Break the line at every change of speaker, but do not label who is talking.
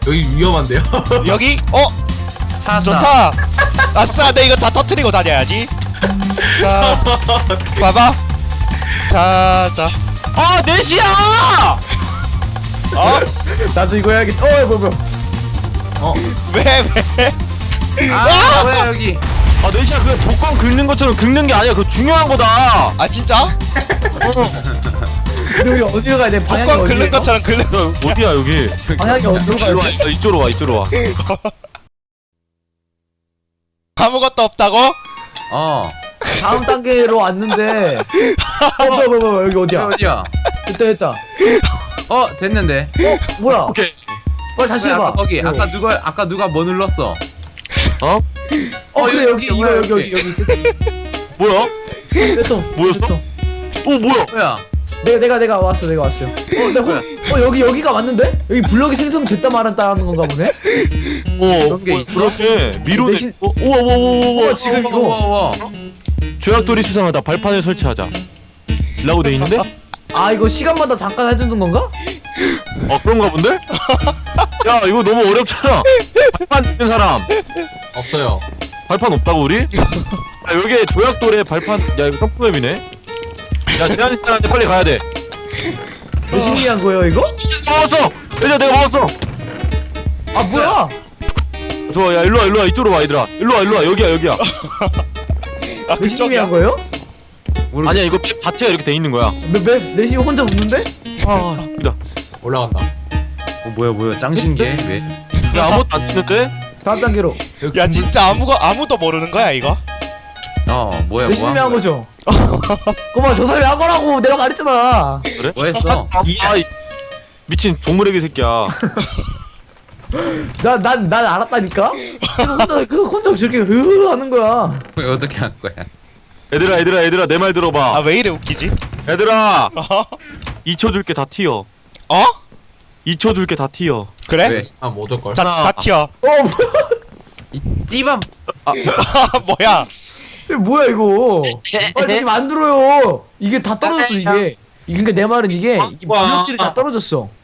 여기 위험한데요?
여기?
찾았다.
좋다. 아싸, 내 이거 다 터트리고 다녀야지. 자, 봐봐. 자.
아, 4시야!
나도 이거 해야겠다. 뭐야.
왜?
아, 뭐야, 여기.
아 4시야 그냥 독감 긁는 것처럼 긁는 게 아니야. 그거 중요한 거다.
아, 진짜?
근데 우리 어디로 가야 돼? 방향이
뚜껑
어디예요?
긁는 것처럼 긁는.
야, 어디야 여기?
방향이 어디로 가야
이리로 와.
돼?
이쪽으로 와.
아무것도 없다고?
다음 단계로 왔는데. 뭐야. 여기 어디야?
어디야?
됐다.
됐는데.
뭐야?
오케이.
빨리 다시
아까
해봐.
거기, 아까 누가 뭐 눌렀어?
어?
그래 여기 이거
뭐야,
여기.
뭐야?
됐어.
뭐였어?
됐어.
뭐야?
뭐야?
내가 왔어. 여기가 왔는데? 여기 블럭이 생성됐다 말았다는 건가 보네?
그런 게 있어?
그렇게 미로네.
대신-
우와.
지금 이거.
우와.
조약돌이 수상하다. 발판을 설치하자. 라고 돼 있는데?
이거 시간마다 잠깐 해주는 건가?
그런가 본데? 야 이거 너무 어렵잖아. 발판 있는 사람.
없어요.
발판 없다고 우리? 야 여기 조약돌에 발판. 야 이거 점프맵이네. 야 제한 사람한테 빨리 가야 돼.
몇 신기한 거예요 이거?
먹었어. 얘들아 내가 먹었어.
뭐야?
좋아 야 일로와 이쪽으로 와 얘들아. 일로와 여기야.
아,
몇 신기한 거예요?
아니야 이거 자체가 이렇게 돼 있는 거야.
내신 혼자 웃는데?
여기다.
올라간다.
뭐야, 짱신게? 왜?
야 아무것도 안 뜨는데?
다음 단계로.
야, 진짜 아무도 모르는 거야, 이거?
뭐야,
열심히 한 거죠? 꼬마 저 사람이 한 거라고 내가 말했잖아.
그래?
뭐 했어?
미친 종무레기 새끼야.
난 알았다니까? 그래서 혼자 저렇게 하는 거야.
어떻게 한 거야?
얘들아 내 말
아,
들어봐.
왜 이래 웃기지?
얘들아
어?
2초 줄게 다 튀어. 2초 줄게 다 튀어.
그래?
왜?
못 올걸.
다 튀어.
찌밤!
뭐야?
뭐야 이거? 빨리 다시 만들어요. 이게 다 떨어졌어 이게. 그러니까 내 말은 이게
와.
블럭들이 다 떨어졌어.